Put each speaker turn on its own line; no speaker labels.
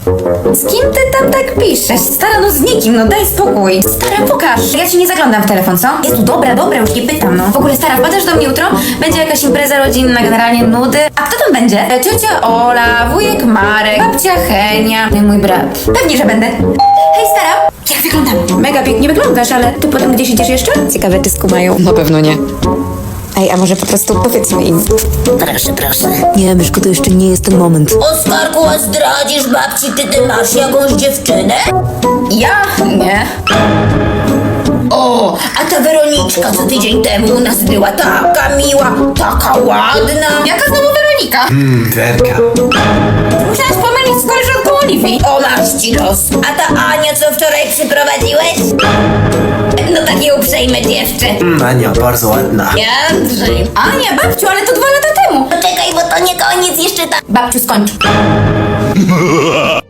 Z kim ty tam tak piszesz? Stara, no z nikim, no daj spokój. Stara, pokaż. Ja ci nie zaglądam w telefon, co? Jezu, dobra, już nie pytam, no. W ogóle, stara, wpadasz do mnie jutro? Będzie jakaś impreza rodzinna, generalnie nudy. A kto tam będzie? Ciocia Ola, wujek Marek, babcia Henia, no i mój brat. Pewnie, że będę. Hej, stara. Jak wyglądam? Mega pięknie wyglądasz, ale ty potem gdzieś idziesz jeszcze? Ciekawe, czy skumają.
Na pewno nie.
Ej, a może po prostu powiedzmy im.
Proszę.
Nie, Myszko, to jeszcze nie jest ten moment.
Oskarku, a zdradzisz babci, ty masz jakąś dziewczynę?
Ja? Nie.
O, a ta Weroniczka, co tydzień temu u nas była, taka miła, taka ładna.
Jaka znowu Weronika?
Werka.
Musiałaś pomylić z koleżanką Oliwii.
O, masz ci los. A ta Ania, co wczoraj przyprowadziłeś? No takie uprzejme dziewczę.
Ania, bardzo ładna.
Jędrzej.
A nie, babciu, ale to 2 lata temu.
Poczekaj, bo to nie koniec, jeszcze ta...
Babciu, skończ.